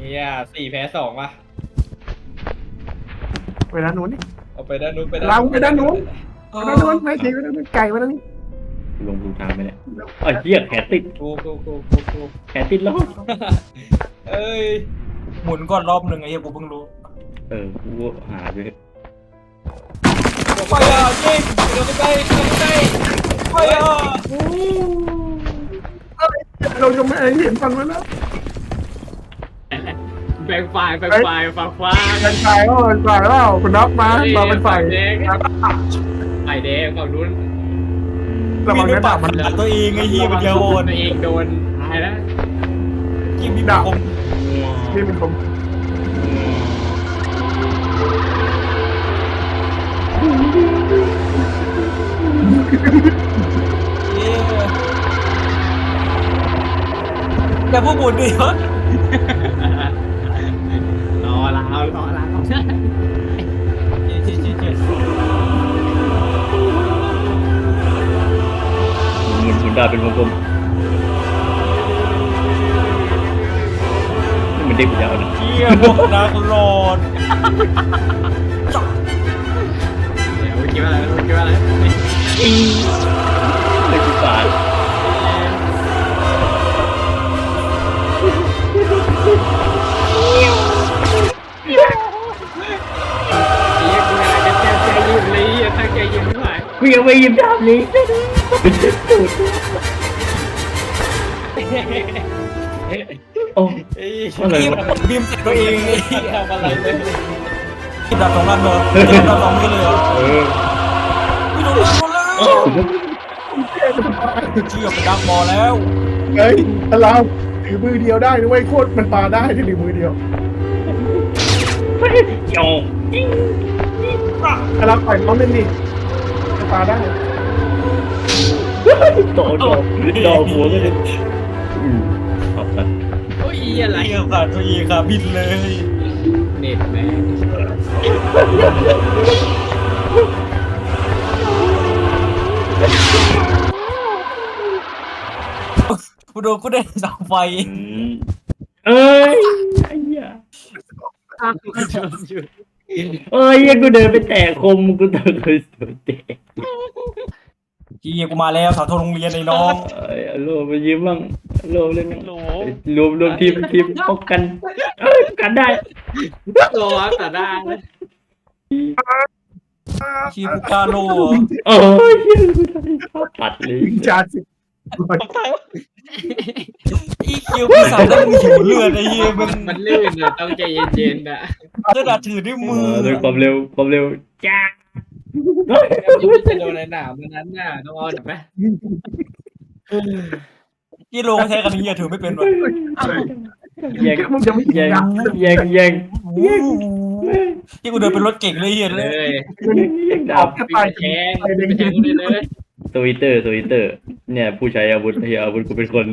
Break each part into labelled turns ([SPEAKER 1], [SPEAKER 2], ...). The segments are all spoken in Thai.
[SPEAKER 1] เนี่ย4-2ว่ะ
[SPEAKER 2] ไปด้านนู้นนี่
[SPEAKER 1] เอาไปด้านนู้นไป
[SPEAKER 2] เราไปด้านนู้นไปด้านนู้นไม่ใช่ไปด้านนู้นไก่ไปด้านนี้
[SPEAKER 3] ลงดูทางไปเนี่ยไอ้เหี้ยแขนติด
[SPEAKER 1] กู
[SPEAKER 3] แขนติดแล้ว
[SPEAKER 1] เอ้ย
[SPEAKER 4] หมุนก่อนรอบหนึ่งไอ้เหี้ยกูเพิ่งรู้
[SPEAKER 3] กูหาด้วย
[SPEAKER 1] ไปอ่ะยิงเดินไปใกล้ไปอ่ะ
[SPEAKER 2] เราจะไม่เห็นฟันมันแล้ว
[SPEAKER 5] แบ่งฝ่ายฝั่งขวา
[SPEAKER 2] เป็นไฟก็เป็นไฟแล้วคุณนับมาเป็นไฟ
[SPEAKER 5] แดงไฟแดงฝั่งนู้น
[SPEAKER 2] ระวัง
[SPEAKER 4] มี
[SPEAKER 2] นะ
[SPEAKER 4] ปา
[SPEAKER 2] ดาก บ
[SPEAKER 4] มั
[SPEAKER 2] มัน น
[SPEAKER 4] ด่าตัวเองไอ้เหี้ยมันเดียวโอน
[SPEAKER 5] ตัวเองโดนตายแล้ว
[SPEAKER 4] กินมีดาบ
[SPEAKER 2] นี่เป็นผม
[SPEAKER 4] แต่พวกหมุนดิเหรอ
[SPEAKER 5] รอเรา
[SPEAKER 3] หมุนดาวเป็นวงกลมนี่มันเด็กยาวนะ
[SPEAKER 4] เหี้ยพวกนักโลด
[SPEAKER 5] เดี๋ยวคิดว่าอะไร
[SPEAKER 3] เด็กปาด
[SPEAKER 5] ใจเย็นเลยถ้าใจเย็นไม่ไหว
[SPEAKER 3] กูยังไม่ยิ้มดาวนี้โอ้
[SPEAKER 1] เอ้ย
[SPEAKER 3] อะไร
[SPEAKER 4] ที่
[SPEAKER 3] วะ
[SPEAKER 4] บีมใส่ตัวเองไอ้เหี้ย
[SPEAKER 1] ทำอะไรเลย
[SPEAKER 4] ดาบสองนัดเลยดาบสองมือเลยเหรอไม่โดนแล้วเชี่ยเป็นดักบอลแล้ว
[SPEAKER 2] เฮ้ยเราถือมือเดียวได้ด้วยโคตรมันปาได้ที่ถือมือเดียว
[SPEAKER 3] โอ้
[SPEAKER 2] เราปล่อยน้องเล่นดิปาได้
[SPEAKER 3] โตดอกหัวกันเลยขอบคุณ
[SPEAKER 5] โอ้ยอะไร
[SPEAKER 4] เชี่ยขาดตัวเองค่ะบินเลย
[SPEAKER 5] เน็ตแม่ง
[SPEAKER 4] กูโดนกูได้เสาไฟ
[SPEAKER 3] เอ้ยไอ้เหี้ยเอ้ยกูเดินไปแตะคมกูเดินไปสุดเตะ
[SPEAKER 4] เชี่ยกูมาแล้วเสาธงโรงเรียนไอ้น้อง
[SPEAKER 3] โลไปยิ้มบ้างโลเล่นรวมทีมป้องกันกันได้
[SPEAKER 5] รอแต่ได้
[SPEAKER 4] เชี่ยกูกล้าโล
[SPEAKER 3] โอ้ยปัดเลย
[SPEAKER 2] จานสิ
[SPEAKER 4] อีคิวพี่สาวได้มึงหิวเลือดไอ้เหี้ยมัน
[SPEAKER 5] มันลื่นอะต้องใจเย็นๆอะ
[SPEAKER 4] กระดาษถือด้วยมือ
[SPEAKER 3] ด้วยความเร็วจ้า
[SPEAKER 1] ยังไม่จะโดนในหนามนั้นน่ะต้องเอาไหม
[SPEAKER 4] ที่โลใช้กันเหี้ยถือไม่เป็นวะ
[SPEAKER 3] แย่ง
[SPEAKER 2] มึงจะไม่ยิงนะ
[SPEAKER 3] แย่ง
[SPEAKER 4] ที่กูเดินเป็นรถเก่งเลยเหี้ย
[SPEAKER 5] เล
[SPEAKER 4] เลย
[SPEAKER 3] ดาบ
[SPEAKER 5] ไปแทงเลย
[SPEAKER 3] ทวิตเตอร์เนี่ยผู้ใช้อาวุธกูเป็นคน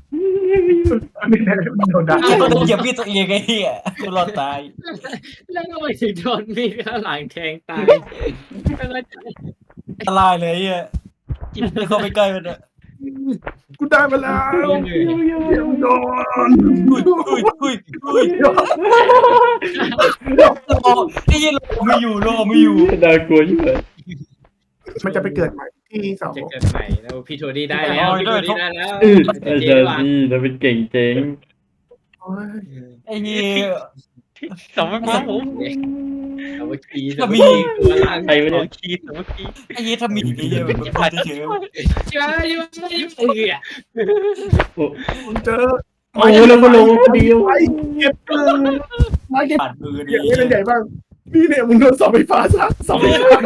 [SPEAKER 2] โดนด่า
[SPEAKER 4] เหี้ยต้องเหยียบพี่ตัวเองไอ้เหี้ยกูรอดตาย
[SPEAKER 5] แล้วก็ไปถึงโดนมีดข้างหลังแทงตายก็เลย
[SPEAKER 4] อันตรายเลยไอ้เหี้ยไม่เข้าไปใกล้มันอะ
[SPEAKER 2] กูได้มาแล้วโดน
[SPEAKER 4] อุ้ยไอ้เหี้ยโลไม่อยู่
[SPEAKER 3] น่ากลัวยิ่งเลย
[SPEAKER 2] มันจะไปเกิดใหม่ที่เสา
[SPEAKER 5] จะเกิดใหม่แล้วพี่โทดี้ได้แล้วพี่โทดี้ได้แล้ว
[SPEAKER 3] อาจารย์นี่เราเป็นเก่งเจ๋ง
[SPEAKER 4] ไอ้เหี้ย
[SPEAKER 5] สองพันผมเอาไปขี่
[SPEAKER 4] ถ้ามี
[SPEAKER 5] ตัวล่าง
[SPEAKER 3] ใครไม่ได้
[SPEAKER 5] ขี่สองขี่
[SPEAKER 4] ไอ้เหี้ยถ้ามีไอ้เหี้ยมันพลาดเฉย
[SPEAKER 5] ช่วย
[SPEAKER 2] เจอ
[SPEAKER 3] โอ้แล้วก็ลงเดียว
[SPEAKER 2] ไอ้เก็บไม้เก็บ
[SPEAKER 4] ปัดมือ
[SPEAKER 2] อ
[SPEAKER 4] ดิ
[SPEAKER 2] ย่างนี้เป็นใหญ่บ้างนี่เนี่ยมึงโดนเสาไฟฟ้าซะเสาไฟฟ้า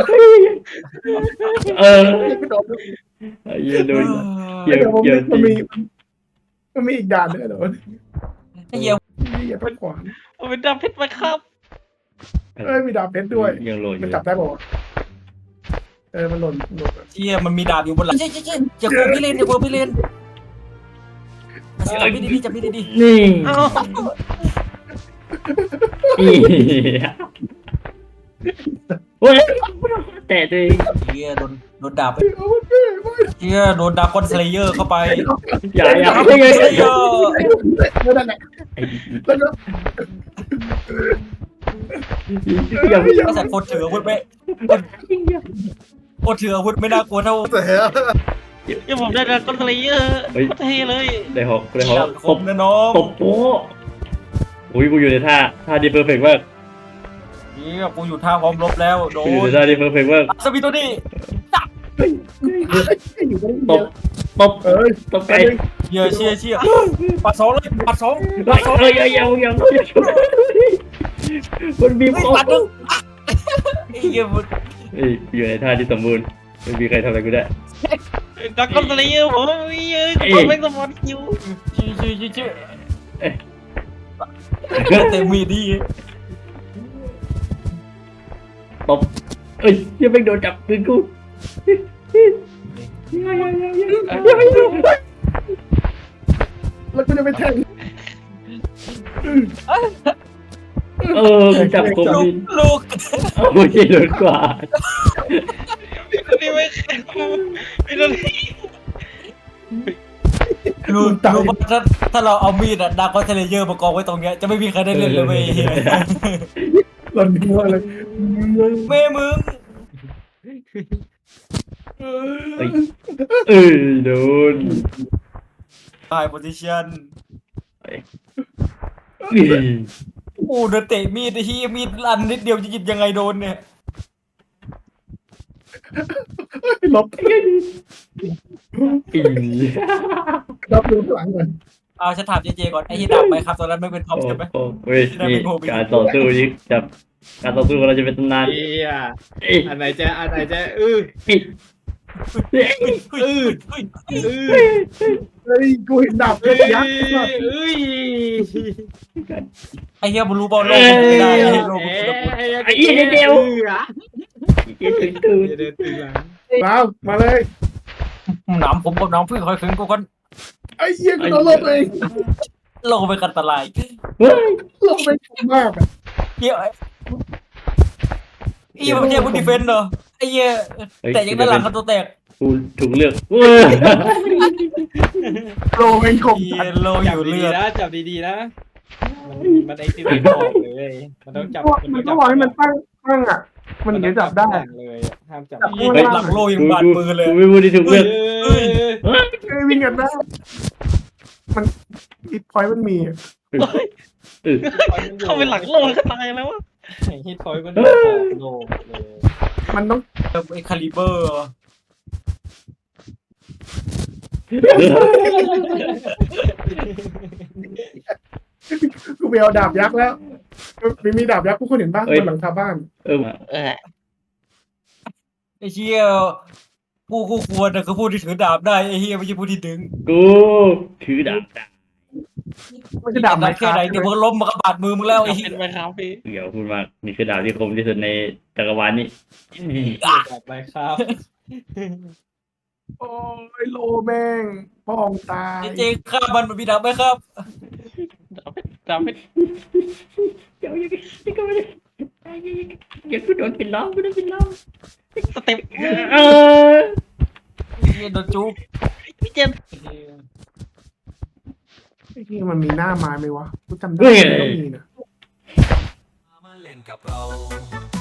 [SPEAKER 2] ไม่โดน
[SPEAKER 3] ไอ้เหี้ยโดน
[SPEAKER 2] เดี๋ยวมันมีอีกด่านนึงเดี๋ยว
[SPEAKER 4] ไอ้เหี้ย
[SPEAKER 2] นี่อย่าพัดขวาน
[SPEAKER 5] เป็นดำเพชรมาครับ
[SPEAKER 2] มีดาบเพชรด้วย
[SPEAKER 3] ยังโหลดอ
[SPEAKER 2] มัน
[SPEAKER 3] ยู่
[SPEAKER 2] จับได้ป่าวมันหล่น
[SPEAKER 4] เหี้ยมันมีดาบอยู่บนหลังเจ๊อย่าโกงพี่เลนจับพี่ดีจับพี่ดี
[SPEAKER 3] นี่โอ้ยแต่ตัวเอง
[SPEAKER 4] เหี้ยโดนดาบไป
[SPEAKER 2] เอามันเป้ไม่
[SPEAKER 4] เฮียโดนดากอนสเลเยอร์เข้าไป
[SPEAKER 3] อย่า
[SPEAKER 4] ดากอนสเลเยอร์
[SPEAKER 2] แล้วนั่นแหละแล้วก็
[SPEAKER 3] อย่า
[SPEAKER 4] ไอ้สัตว์คนถืออาวุธไม่คนถืออาวุธไม่น่ากลัวเท่า
[SPEAKER 5] ยังผมได้ดราก้อนสเลเยอร์เท่เลย
[SPEAKER 3] ได้หอกได้หอก
[SPEAKER 4] ดาบคมนะน้อง
[SPEAKER 3] ตบโป๊ะอุ้ยกูอยู่ในท่าดีเพอร์เฟกต์มาก
[SPEAKER 4] เฮียกูอยู่ท่าพร้อมรบแล้วโด
[SPEAKER 3] กูอยู่
[SPEAKER 4] น
[SPEAKER 3] ในท่าดีเพอร์เฟกต์มาก
[SPEAKER 4] สมิโตนี่
[SPEAKER 3] ตบตบตบไก่
[SPEAKER 4] เฮียเชี่ยปัดสองเลยปัดสอง
[SPEAKER 3] เอ้ยยังมันบีบ
[SPEAKER 4] ไม่
[SPEAKER 3] คอ
[SPEAKER 4] ปัดหนึ่งไอ้เฮียมัน
[SPEAKER 3] อยู่ในท่าที่สมบูรณ์ไม่มีใครทำอะไรกูได้
[SPEAKER 5] ดราก้อนสเลเยอร์ผมผมไม่สมอนคิว
[SPEAKER 4] ชื่อเต็มมีดี
[SPEAKER 3] ตบเอ้ยยังไม่โดนจับปืนกู
[SPEAKER 2] แล้วกูจะไปแทง
[SPEAKER 3] จับคมดิน
[SPEAKER 4] ลูก
[SPEAKER 3] ไม่ใช่โดนกว่า
[SPEAKER 5] นี่ไม่ไม่โดน
[SPEAKER 4] ลูกถ้าเราเอามีดอะดากอนสเลเยอร์มากองไว้ตรงเนี้ยจะไม่มีใครได้เล่นเลยเว้ย
[SPEAKER 2] หล่นหัวเลย
[SPEAKER 4] แม่มึง
[SPEAKER 3] โดน
[SPEAKER 4] ตายโพซิชั่นโอ้เดินเตะมีดไอ้เฮียมีดอันนิดเดียวจะหยิบยังไงโดนเนี่ย
[SPEAKER 2] ลบรับดูหลังก่อน
[SPEAKER 4] เอาฉันถามเจเจก่อนไอ้ที่ดาบไปครับตอนนั้นไม่เป็นท็อปใช่ไหม
[SPEAKER 3] เฮ้ยนี่การต่อสู้นี่จับการต่อสู้ของเราจะเป็นตำนาน
[SPEAKER 5] เฮีย
[SPEAKER 3] เอ้ย
[SPEAKER 5] อันไหนจะ
[SPEAKER 3] เฮ้ย
[SPEAKER 4] เฮ้ย
[SPEAKER 2] เฮ้ยกูเห็นดาบเพชรยักษ์
[SPEAKER 4] ไอ้เฮียบอลลูบอลโลกไม่ได้ไอ้เฮียโลก
[SPEAKER 3] ไอ้เหี้ยเดียวเดี๋ยวถึงตื่น
[SPEAKER 5] เดินตื่นหลัง
[SPEAKER 2] มาเลย
[SPEAKER 4] หนามผมกับน้องเพื่อนคอยคืนกูกัน
[SPEAKER 2] ไอ้เหี้ยกูโดนลบเอง
[SPEAKER 4] โลกเป็นอันตราย
[SPEAKER 3] เฮ้ย
[SPEAKER 2] ลบไปมากอ่ะ
[SPEAKER 4] เฮียไอ้เฮียมันเฮียกูดีเฟนเหรอไอ้เฮียแต่ยังด้านหลังกันตัวแตก
[SPEAKER 3] กูถูกเลือก
[SPEAKER 2] โลเป็นคม
[SPEAKER 4] เฮียโลอยู่เลือด
[SPEAKER 5] จับดีๆนะมันไอ้ที่ไม่บอกเลยมันต้องจับ
[SPEAKER 2] มันก็บอกให้มันตั้งอ่ะ มันถึงจะจับได้
[SPEAKER 5] เลยห้ามจับ
[SPEAKER 4] หลังโลยังบาดมือเลย
[SPEAKER 3] กูไม่พูดที่ถูกเลือก
[SPEAKER 2] เอ้ยวิ่งกันได้มันฮิตพอยต์มันมี
[SPEAKER 5] เข้าไปหลังโลกก็ตายแล้ววะฮิตพอยต์มันโลกเลย
[SPEAKER 2] มันต้อง
[SPEAKER 4] ไอ้คาลิเบอร์
[SPEAKER 2] กูไปเอาดาบยักษ์แล้วมีดาบยักษ์กูคนเห็นบ้างบนหลังคาบ้าน
[SPEAKER 4] ไอ้เชี่ยผู้คู่ควรนะคือผู้ที่ถือดาบได้ไอ้เฮียไม่ใช่ผู้ที่ดึง
[SPEAKER 3] กูถือดาบ
[SPEAKER 2] ไม่ใช่ดาบไม้
[SPEAKER 4] แค่
[SPEAKER 2] คา
[SPEAKER 4] ไหนเดี๋ยวมึงล้มมากระบาดมือมึงแล้วไอ้เฮีย
[SPEAKER 5] เป็นไปครับพี่
[SPEAKER 3] เดี๋ยวพูดมากนี่คือดาบที่คมที่สุดในจักรวาลนี้
[SPEAKER 5] จับไปครับ
[SPEAKER 2] โอ้ยโลแม่งป้องตาย
[SPEAKER 4] เจฆ่ามันมีดาบไหมครับ
[SPEAKER 5] จับไป
[SPEAKER 3] เดี๋ยวยังก็ไม่ได้อย่ากูโดนปิดล้อมกูโดนปิดล้อม
[SPEAKER 5] สเต็ป
[SPEAKER 4] เฮียโดนจุ๊บ
[SPEAKER 5] พี่เจม
[SPEAKER 2] ไอ้ที่มันมีหน้าไม้ไหมวะกูจำได้มันต้องมีนะ
[SPEAKER 6] มาเล่นกับเรา